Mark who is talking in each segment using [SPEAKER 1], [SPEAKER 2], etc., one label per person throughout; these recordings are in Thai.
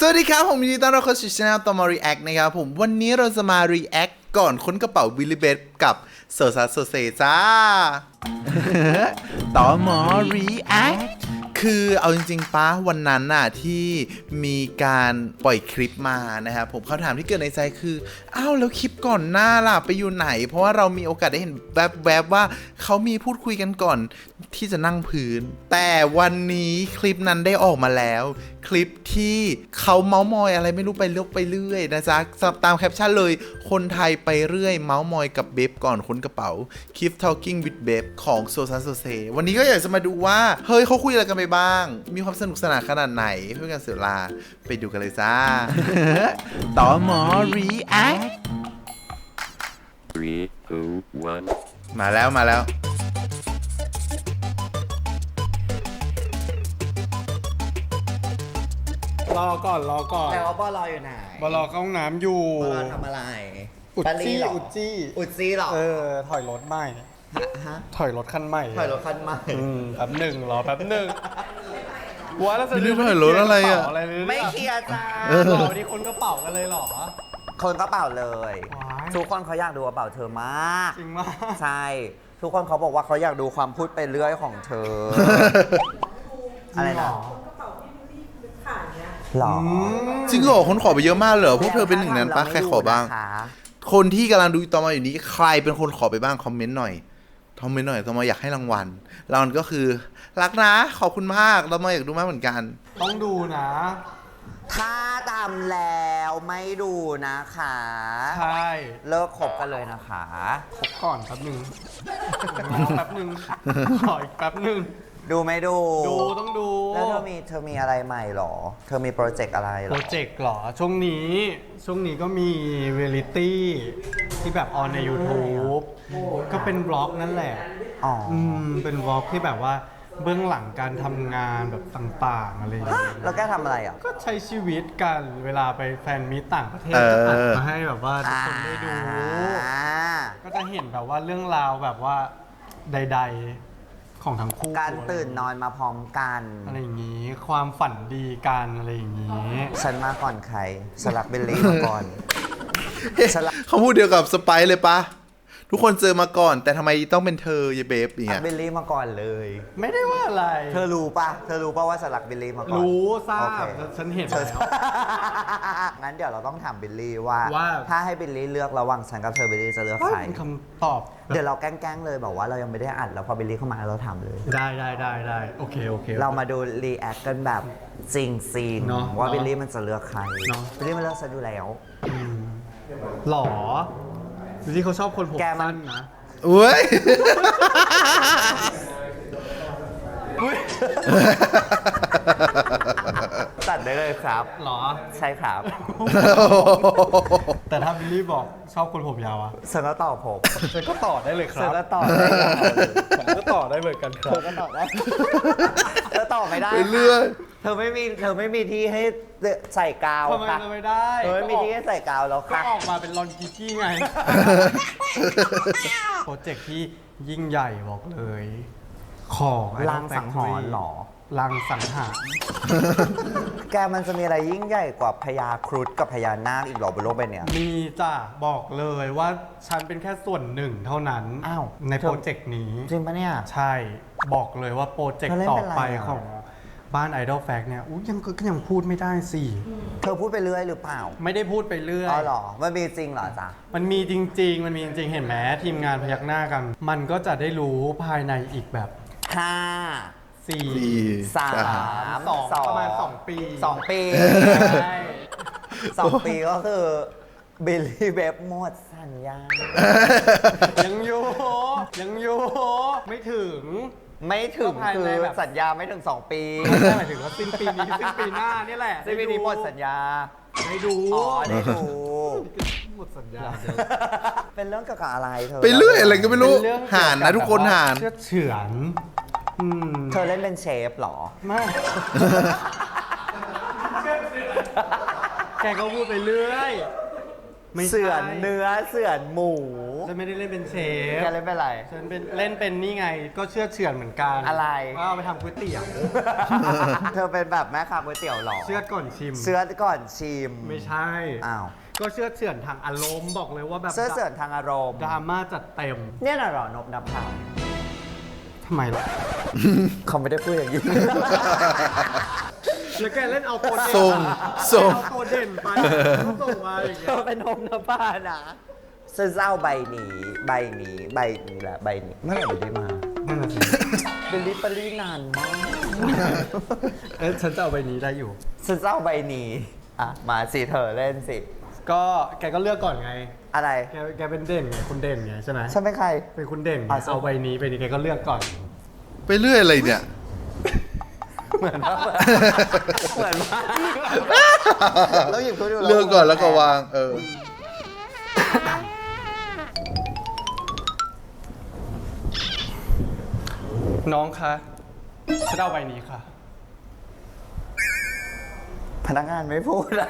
[SPEAKER 1] วัสดีครับผมยินดีต้อนรับเข้าสู่ช่องต่อมา React นะครับผมวันนี้เราจะมา React ก่อนค้นกระเป๋าวิลลี่เบธกับโซซัสโซเซจ้า ต่อมา React คือเอาจริงๆป้าวันนั้นน่ะที่มีการปล่อยคลิปมานะครับผมคำถามที่เกิดในใจคืออ้าวแล้วคลิปก่อนหน้าล่ะไปอยู่ไหนเพราะว่าเรามีโอกาสได้เห็นแวบๆว่าเขามีพูดคุยกันก่อนที่จะนั่งพื้นแต่วันนี้คลิปนั้นได้ออกมาแล้วคลิปที่เขาเมาส์มอยอะไรไม่รู้ไปเรื่อยนะจ๊ะตามแคปชั่นเลยคนไทยไปเรื่อยเมาส์มอยกับเบบก่อนค้นกระเป๋า Keep Talking with Beb ของโซซัสโซเซวันนี้ก็อยากจะมาดูว่าเฮ้ยเขาคุยอะไรกันไปบ้างมีความสนุกสนานขนาดไหนเพื่อการเสียเวลาไปดูกันเลยจ้า ต่อหมอ React
[SPEAKER 2] 3, 2, 1.
[SPEAKER 1] มาแล้ว
[SPEAKER 3] รอก่อน
[SPEAKER 4] แล้วบอลอยู่ไหน
[SPEAKER 3] บอลเข้าห้องน้ำอยู่
[SPEAKER 4] บอลทำอะไร
[SPEAKER 3] อุดจี้
[SPEAKER 4] เหร
[SPEAKER 3] อุดจี้
[SPEAKER 4] อุดจี้เหรอ
[SPEAKER 3] ถอยรถใหม่
[SPEAKER 4] ฮะ
[SPEAKER 3] ถอยรถคันใหม่
[SPEAKER 4] ถอยรถคันใหม่
[SPEAKER 3] แป๊บหนึ่งรอแป๊บหนึ่งวัวแล้ว
[SPEAKER 1] ไม่รู้ถอยรถอะไรอะ
[SPEAKER 4] ไม่เคลียร์จ้า
[SPEAKER 3] หรอวันนี้คนกระเป๋ากันเลยเหรอ
[SPEAKER 4] คนกระเป๋าเลย
[SPEAKER 3] ว้าย
[SPEAKER 4] ทุกคนเขาอยากดูกระเป๋าเธอมาก
[SPEAKER 3] จริงมาก
[SPEAKER 4] ใช่ ทุกคนเขาบอกว่าเขาอยากดูความพูดไปเรื่อยของเธอ อะไรนะหรอ
[SPEAKER 1] จริงเหรอคนขอไปเยอะมากเหรอพวกเธอเป็นหนึ่งนั้นปะใครขอบ้าง
[SPEAKER 4] นะคะ
[SPEAKER 1] คนที่กำลังดูต่อมาอยู่นี้ใครเป็นคนขอไปบ้างคอมเมนต์หน่อยต่อมาอยากให้รางวัลก็คือรักนะขอบคุณมากต่อมาอยากดูมากเหมือนกัน
[SPEAKER 3] ต้องดูนะ
[SPEAKER 4] ถ้าทำแล้วไม่ดูนะคะ
[SPEAKER 3] ใช่
[SPEAKER 4] เลิกคบกันเลยนะคะ
[SPEAKER 3] คบก่อนแป๊บหนึ่งแป๊บหนึ่งขออีกแป๊บหนึ่ง
[SPEAKER 4] ดูไม่ดู
[SPEAKER 3] ต้องดู
[SPEAKER 4] แล้วเธอมีอะไรใหม่หรอ เธอมีโปรเจกต์อะไรหร
[SPEAKER 3] โป
[SPEAKER 4] อ
[SPEAKER 3] รเจกต์เหรอ ช่วงนี้ก็มีเรียลิตี้ที่แบบออนใน YouTube ก็เป็นบล็อกนั่นแหละ
[SPEAKER 4] อ๋อ
[SPEAKER 3] เป็นบล็อกที่แบบว่าเบื้องหลังการทำงานแบบต่างๆอะไรอย่างเงี้ย
[SPEAKER 4] แล้วแกทำอะไรอ่ะ
[SPEAKER 3] ก็ใช้ชีวิตกันเวลาไปแฟนมีตต่างประเทศ
[SPEAKER 1] เออ
[SPEAKER 3] ก็อัดมาให้แบบว่าทุกคนได้ดู
[SPEAKER 4] อ่า
[SPEAKER 3] ก็จะเห็นแบบว่าเรื่องราวแบบว่าใดๆของทั้งคู่
[SPEAKER 4] การตื่นนอนมาพร้อมกัน
[SPEAKER 3] อะไรอย่างงี้ ความฝันดีกันอะไรอย่างงี้
[SPEAKER 4] ฉันมาก่อนใครสลักเบลลี่มาก่อน ฉลาด
[SPEAKER 1] เขาพูดเดียวกับสไปซ์เลยปะทุกคนเจอมาก่อนแต่ทำไมต้องเป็นเธอยายเบฟอย่าง
[SPEAKER 4] สลั
[SPEAKER 1] เงี้
[SPEAKER 4] ก
[SPEAKER 1] ย
[SPEAKER 4] เบลลี่มาก่อนเลย
[SPEAKER 3] ไม่ได้ว่าอะไร
[SPEAKER 4] เธอรู้ปะว่าสลักเบลลี่มาก่อน
[SPEAKER 3] รู้ทรา
[SPEAKER 4] โอบ เค
[SPEAKER 3] ฉันเห็น
[SPEAKER 4] เธอ
[SPEAKER 3] แล้ว
[SPEAKER 4] งั้นเดี๋ยวเราต้องถามเบลลี่ว่า
[SPEAKER 3] ว่า
[SPEAKER 4] ถ้าให้เบลลี่เลือกระหว่างฉันกับเธอเบลลี่จะเลือกใคร
[SPEAKER 3] เป็นคำตอบ
[SPEAKER 4] เดี๋ยวเราแกล้งๆเลยบอกว่าเรายังไม่ได้อัดแล้วพอเบลลี่เข้ามาเราถามเลย
[SPEAKER 3] ได้โอเค
[SPEAKER 4] เรามาดูรีแอคกันแบบจริงซีน
[SPEAKER 3] เนอะ
[SPEAKER 4] ว่าเบลลี่มันจะเลือกใคร
[SPEAKER 3] เนอะ
[SPEAKER 4] เบลลี่มันเลือกฉันอยู่แล้ว
[SPEAKER 3] หรอดูที่เขาชอบคนผม
[SPEAKER 4] แกมัน
[SPEAKER 3] สั้นนะ
[SPEAKER 1] อุ้ย
[SPEAKER 4] ตัดได้เลยครับ
[SPEAKER 3] หรอ
[SPEAKER 4] ใช่ครับ
[SPEAKER 3] แต่ถ้าบิลลี่บอกชอบคนผมยาวอะ
[SPEAKER 4] ฉันก็ตอบผม
[SPEAKER 3] ฉันก็ต่อได้เลยค
[SPEAKER 4] ฉั
[SPEAKER 3] รั
[SPEAKER 4] น
[SPEAKER 3] บ
[SPEAKER 4] ก็ตอบได้ครับ
[SPEAKER 3] ผมก็ต่อได้เหมือนกันค
[SPEAKER 4] เธ
[SPEAKER 3] รับ
[SPEAKER 4] อก็ตอบได้เธอตอบไม่ได้
[SPEAKER 1] ไปเรื่อย
[SPEAKER 4] เธอไม่มีที่ให้ใส่กาว
[SPEAKER 3] ทำไม
[SPEAKER 4] ค่ะ
[SPEAKER 3] จะไม่ได้
[SPEAKER 4] เธอไม่มีที่ให้ใส่กาวแล้ว
[SPEAKER 3] ก็
[SPEAKER 4] ค่ะ
[SPEAKER 3] ออกมาเป็นลอนกิกี้ไง โปรเจกต์ที่ยิ่งใหญ่บอกเลย ของ
[SPEAKER 4] ลางสังหรณ์เหรอ
[SPEAKER 3] ลางสังหาร
[SPEAKER 4] แกมันจะมีอะไรยิ่งใหญ่กว่าพญาครุฑกับพญานาคอีกเหรอบนโลกใบเนี้ย
[SPEAKER 3] มีจ้ะบอกเลยว่าฉันเป็นแค่ส่วนหนึ่งเท่านั้น
[SPEAKER 4] อ้าว
[SPEAKER 3] ในโปรเจกต์นี้
[SPEAKER 4] จริงปะเนี่ย
[SPEAKER 3] ใช่บอกเลยว่าโปรเจก
[SPEAKER 4] เธอ
[SPEAKER 3] ต์
[SPEAKER 4] เล่น
[SPEAKER 3] ต่อ
[SPEAKER 4] เป็นอะไร
[SPEAKER 3] ไป
[SPEAKER 4] อ่ะ
[SPEAKER 3] ของบ้าน Idol Fact เนี่ยอุ๊ยยังพูดไม่ได้สิ
[SPEAKER 4] เธอพูดไปเรื่อยหรือเปล่า
[SPEAKER 3] ไม่ได้พูดไปเรื่อย
[SPEAKER 4] อ๋อเหรอมันมีจริงเหรอจ๊ะ
[SPEAKER 3] มันมีจริง ๆ เห็นไหมทีมงานพยักหน้ากัน มันก็จะได้รู้ภายในอีกแบบ
[SPEAKER 4] ห้า
[SPEAKER 1] สี่
[SPEAKER 4] สาม
[SPEAKER 3] 4 2ประมาณ 2 ปี
[SPEAKER 4] 2 ปี
[SPEAKER 3] ใช่
[SPEAKER 4] 2 ปีก็คือบิลลี่เบบหมดสัญญา
[SPEAKER 3] ยังอยู่ไม่ถึง
[SPEAKER 4] ไม่ถึง
[SPEAKER 3] ก็ภาย
[SPEAKER 4] คื
[SPEAKER 3] ใน
[SPEAKER 4] อ
[SPEAKER 3] แบบ
[SPEAKER 4] สัญญาไม่ถึง 2 ปี
[SPEAKER 3] ไม่ใช่หมายถึงว่าสิ้นปีนี้สิ้นปีหน้านี่แหละ
[SPEAKER 4] สิ้นปีนี้หมดสัญญา
[SPEAKER 3] ได้ดู
[SPEAKER 4] อ๋อได้ดู
[SPEAKER 3] หมดสัญญา
[SPEAKER 4] เป็นเรื่องเกี่ยวกับอะไรเธอ
[SPEAKER 1] ไปเรื่อยอะไรก็ไม่รู้
[SPEAKER 3] เป็นเรื่อง
[SPEAKER 1] ห่านนะทุกคนห่าน
[SPEAKER 3] เชื่อเฉือนอืม
[SPEAKER 4] เธอเล่นเป็นเชฟเหรอ
[SPEAKER 3] ไม่แกก็พูดไปเรื่อยไม่ใช่
[SPEAKER 4] เสือนเนื้อเสือนหมู
[SPEAKER 3] ฉันไม่ได้เล่นเป็นเชฟ
[SPEAKER 4] แกเล่นเป็นอะไร
[SPEAKER 3] ฉันเป็นเล่นเป็นนี่ไง ก็เชื่อดเฉือนเหมือนกัน
[SPEAKER 4] อะไร
[SPEAKER 3] ว่าเอาไปทำก๋วยเตี๋ยว
[SPEAKER 4] เธอเป็นแบบแม่ค้าก๋วยเตี๋ยวเหรอ
[SPEAKER 3] เชื่อดก่อนชิม
[SPEAKER 4] เสื้อก่อนชิม
[SPEAKER 3] ไม่ใช่
[SPEAKER 4] อ้าว
[SPEAKER 3] ก็เชื่อดเฉือนทางอารมณ์บอกเลยว่าแบบ
[SPEAKER 4] เสื้อเสือนทางอารมณ์
[SPEAKER 3] ดราม่าจัดเต็ม
[SPEAKER 4] เนี่ยน่ะเหรอนบนับข่าว
[SPEAKER 3] ทำไมล่ะ
[SPEAKER 4] เขาไม่ได้พูดอย่างนี้
[SPEAKER 3] แล้วแกเล่นเอาตัวเด่น
[SPEAKER 1] ส่ง
[SPEAKER 3] เอาตัวเด่นไปส่งมาอย่างเงี้
[SPEAKER 4] เธ
[SPEAKER 3] ย
[SPEAKER 4] อเป็นนมนับผ้านะเสื้อเจ้าใบนี้ใบนี้ใบนี้แหละใบนี้เมื่อไหร่จะได้มา
[SPEAKER 3] นั่นน่ะสิ
[SPEAKER 4] เป็นลิปปรีนานมาก
[SPEAKER 3] ฉันจะเอาใบนี้ได้อยู่
[SPEAKER 4] เสื้อเจ้าใบนี้อ่ะมาสิเธอเล่นสิ
[SPEAKER 3] ก็แกก็เลือกก่อนไง
[SPEAKER 4] อะไร
[SPEAKER 3] แกเป็นเด่นไงคุณเด่นไงใช่ไหม
[SPEAKER 4] ฉันเป็นใคร
[SPEAKER 3] เป็นคุณเด่นไง
[SPEAKER 4] อ่ะ
[SPEAKER 3] เอาใบนี้แกก็เลือกก่อน
[SPEAKER 1] ไปเรื่อยอะไรเนี่ย
[SPEAKER 4] เหมือนว่าเหมือนว่าเราหยิบเขาดู
[SPEAKER 1] เลือกก่อนแล้วก็วาง
[SPEAKER 3] น้องคะฉันเอาใบนี้ค่ะ
[SPEAKER 4] พนักงานไม่พูดอะ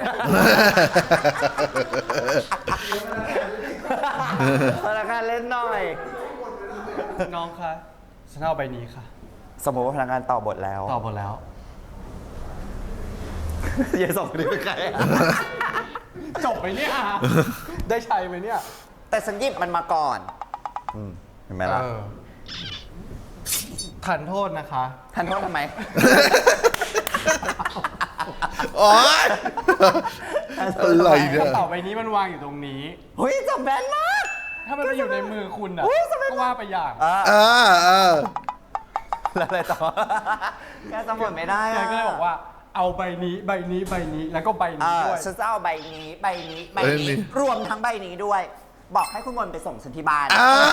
[SPEAKER 4] พนักงานเล่นหน่อย
[SPEAKER 3] น้องคะฉันเอาใบนี้ค่ะ
[SPEAKER 4] สมมติว่าพนักงานต่อบทแล้ว
[SPEAKER 3] ตอบหมดแล้ว
[SPEAKER 4] อย่าส่งคนนี้ไปใครอะ
[SPEAKER 3] จบไปเนี่ย ได้ใช้ไหมเนี่ย
[SPEAKER 4] แต่ฉันหยิบมันมาก่อนเห็นไหมล่ะ
[SPEAKER 3] ทานโทษนะคะ
[SPEAKER 4] ท่านโทษทำไม
[SPEAKER 1] โอ๊ยอะไรเนี่ย
[SPEAKER 3] กระเป๋าใบนี้มันวางอยู่ตรงนี้
[SPEAKER 4] เฮ้ยจำแบนมาก
[SPEAKER 3] ถ้ามันมาอยู่ในมือคุณอ่ะ
[SPEAKER 4] อุ๊ยทำไม
[SPEAKER 3] ก็ว่าไปอย่าง
[SPEAKER 4] แล้วอะไรต่อ แกจำหมดไม่ได้
[SPEAKER 3] แก
[SPEAKER 4] อะ
[SPEAKER 3] ก็เลยบอกว่า เอาใบนี้แล้วก็ใบนี้ด้วย
[SPEAKER 4] ฉันจะเอาใบนี้ใบนี้ใบ
[SPEAKER 1] เอ้ย
[SPEAKER 4] นี้
[SPEAKER 1] นี่
[SPEAKER 4] รวมทั้งใบนี้ด้วย บอกให้คุณมนต์ไปส่งฉันที่บ้าน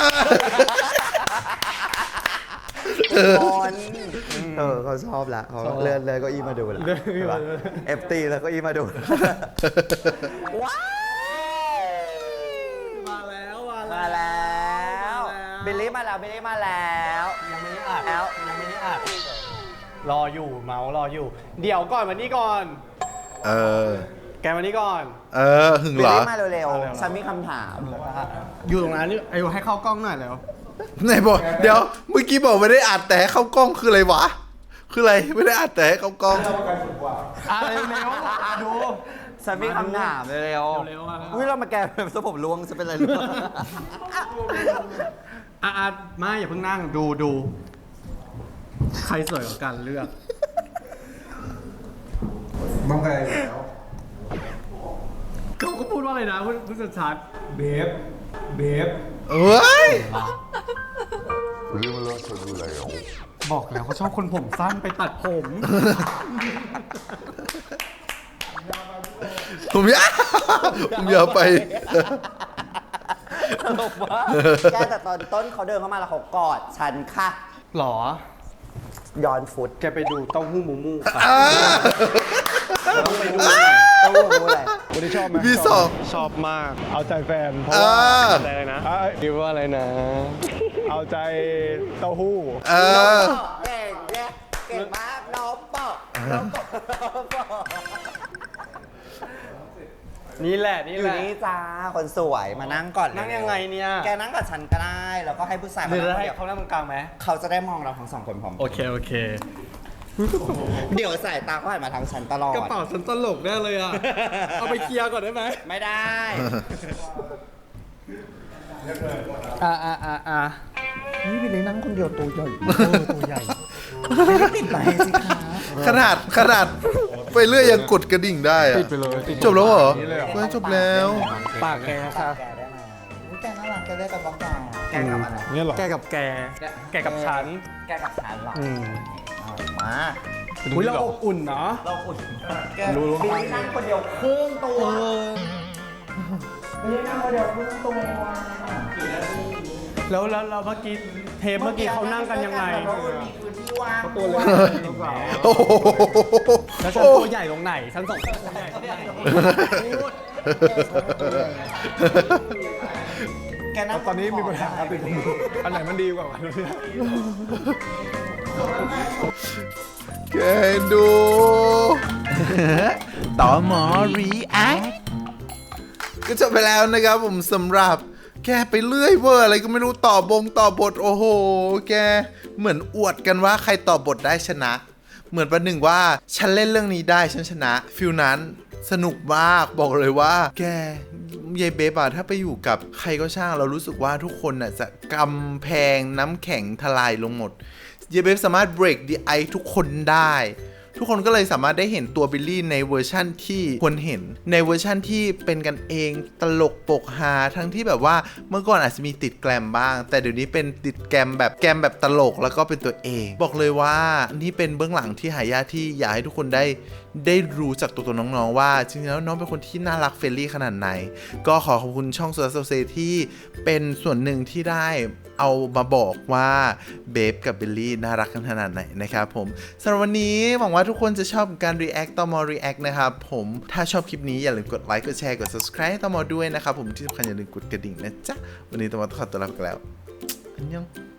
[SPEAKER 4] คนเขาชอบละเขา
[SPEAKER 3] ชอบ
[SPEAKER 4] เลื่อนเลยก็อีมาดูละ
[SPEAKER 3] เลื่อนเก้าอี้มาดู
[SPEAKER 4] เอฟตีแล้วก็อีมาดูว้าว
[SPEAKER 3] มาแล้ว
[SPEAKER 4] มาแล้วบิลลี่มาแล้วบิลลี่มาแล้ว
[SPEAKER 3] ยังไม่ได้อัด
[SPEAKER 4] แล้ว
[SPEAKER 3] ยังไม่ได้อัดรออยู่เมาส์รออยู่ เดี๋ยวก่อนมานี่ก่อน แกมานี่ก่อน
[SPEAKER 1] หึง
[SPEAKER 4] บิ
[SPEAKER 1] เห
[SPEAKER 4] ล
[SPEAKER 1] รอ
[SPEAKER 4] ลี่มาเร็ว
[SPEAKER 3] เร็ว
[SPEAKER 4] ๆฉันมีคำถาม
[SPEAKER 3] อยู่ตรงนั้นนี่ไอ้ให้เข้ากล้องหน่อยแล้ว
[SPEAKER 1] ไหนบอกเดี๋ยวเมื่อกี้บอกไม่ได้อัดแต่ให้เข้ากล้องคืออะไรวะ คืออะไรไม่ได้อัดแต่ให้เข้ากล้อง
[SPEAKER 3] เร็วๆดู
[SPEAKER 4] ฉันมีคำถามเร็ว
[SPEAKER 3] เร็วๆมา
[SPEAKER 4] อุ้ยเรามาแกแบบสผมล้วงจะเป็นอะไรหรือเปล่า
[SPEAKER 3] ไม่อย่าเพิ่งนั่งดู ใครสวยกว่ากันเลือกบ้างใครแล้วเขาก็พูดว่าอะไรนะพูดชัดๆเบฟ
[SPEAKER 1] เอ้ย
[SPEAKER 3] บอกแล้วเขาชอบคนผมสั้นไปตัดผม
[SPEAKER 1] ผมอยากไป
[SPEAKER 4] ตลกมากแกแต่ตอนต้นเขาเดินเข้ามาแล้วเขากอดฉันค่ะ
[SPEAKER 3] หรอ
[SPEAKER 4] ย้อนฟุต
[SPEAKER 3] แกไปดูเต้าหู้มูมูค่ะ
[SPEAKER 4] ต้องไปดูหน่อยต้องรู้อะไร
[SPEAKER 3] คนที่ชอบไหม
[SPEAKER 1] พี่สอง
[SPEAKER 3] ชอบมาก เอาใจแฟน เพราะว่าเอาใจอะไรนะคิดว่าอะไรนะ เอาใจเต้าหู้
[SPEAKER 4] เก่งเนี่ยเก่งมากน้องปอกน้องปอก
[SPEAKER 3] นี่แหละ
[SPEAKER 4] อยู่นี่จ้าคนสวยมานั่งก่อน
[SPEAKER 3] นั่งยังไงเนี่ย
[SPEAKER 4] แกนั่งกับฉันก็ได้แล้วก็ให้ผู้ชาย
[SPEAKER 3] หรือ
[SPEAKER 4] นั่ง
[SPEAKER 3] ให้
[SPEAKER 4] เดี๋ยว
[SPEAKER 3] เขานั่งตรงกลางไหม
[SPEAKER 4] เขาจะได้มองเราทั้งสองคนพร้อม
[SPEAKER 3] โอเค
[SPEAKER 4] เดี๋ยวสายตาเขาหันมาทางฉันตลอด
[SPEAKER 3] กระเป๋าฉันตลกแน่เลยอ่ะ เอาไปเคลียร์ก่อนได้ไหม
[SPEAKER 4] ไม่ได้ นี่ไปเลยนั่งคนเดียวตัวใหญ่
[SPEAKER 3] ตัวใหญ่
[SPEAKER 4] ไม่ได้ติดไหนสิคะ
[SPEAKER 1] ขนาดไปเรื่อยยังกดกระดิ่งได้อะ
[SPEAKER 3] ติดไปเลยติด
[SPEAKER 1] จบแล้วเหรอ
[SPEAKER 3] นี่เลยเหรอ
[SPEAKER 1] ไม่จบแล้ว
[SPEAKER 3] ปากแกค่ะ
[SPEAKER 4] แกได้ไหมอุ๊ยแกน่ารักแกได้กับบ้องแกแกกับอะไร
[SPEAKER 3] เนี่ยหรอ แกกับแกกับฉัน
[SPEAKER 4] แกกับฉันเหรอ เอามา
[SPEAKER 3] อุ้ยเราอบอุ่นเนาะ
[SPEAKER 4] เราอุ่นแก
[SPEAKER 3] รู้
[SPEAKER 4] บิลลี่นั่งคนเดียวครึ่งตัวบิลลี่นั่งคนเดียวครึ่งตัว
[SPEAKER 3] แล้วเมื่อกี้เทปเมื่อกี้เขานั่งกันยังไง
[SPEAKER 4] เรามีพื้นที่ว่าง
[SPEAKER 3] ตัวเล็ก
[SPEAKER 1] โอ้โห
[SPEAKER 3] แล้วฉันตัวใหญ่ตรงไหนฉันสองคนตัวใหญ่ตรงไหน
[SPEAKER 4] แกนั่ง
[SPEAKER 3] ตอนนี้มีปัญหาติดมืออันไหนมันดีกว่ากัน
[SPEAKER 1] แกดู ต่อหมอรีแอคก็จบไปแล้วนะครับผมสำหรับแกไปเรื่อยเวอร์อะไรก็ไม่รู้ต่อบทโอ้โหแกเหมือนอวดกันว่าใครต่อบทได้ชนะ เหมือนประหนึ่งว่าฉันเล่นเรื่องนี้ได้ฉันชนะฟิลนั้นสนุกมากบอกเลยว่าแกยายเบฟอะถ้าไปอยู่กับใครก็ช่างเรารู้สึกว่าทุกคนน่ะจะกำแพงน้ำแข็งทลายลงหมดยายเบฟสามารถ break the ice ทุกคนได้ทุกคนก็เลยสามารถได้เห็นตัวบิลลี่ในเวอร์ชั่นที่ควรเห็นในเวอร์ชั่นที่เป็นกันเองตลกปกฮาทั้งที่แบบว่าเมื่อก่อนอาจจะมีติดแกลมบ้างแต่เดี๋ยวนี้เป็นติดแกมแบบตลกแล้วก็เป็นตัวเองบอกเลยว่านี่เป็นเบื้องหลังที่หายากที่อยากให้ทุกคนได้รู้จากตัวน้องๆว่าจริงๆแล้วน้องเป็นคนที่น่ารักเฟรนลี่ขนาดไหนก็ขอขอบคุณช่องโซลาร์เซลที่เป็นส่วนหนึ่งที่ได้เอามาบอกว่าเบฟกับบิลลี่น่ารักกันขนาดไหนนะครับผมสำหรับวันนี้หวังว่าทุกคนจะชอบการ react ต่อมอ react นะครับผมถ้าชอบคลิปนี้อย่าลืมกดไลค์กดแชร์กด subscribe ต่อมอด้วยนะครับผมที่สำคัญอย่าลืมกดกระดิ่งนะจ๊ะวันนี้ต่อมอต้องขอตัวลาไปแล้วอันยอง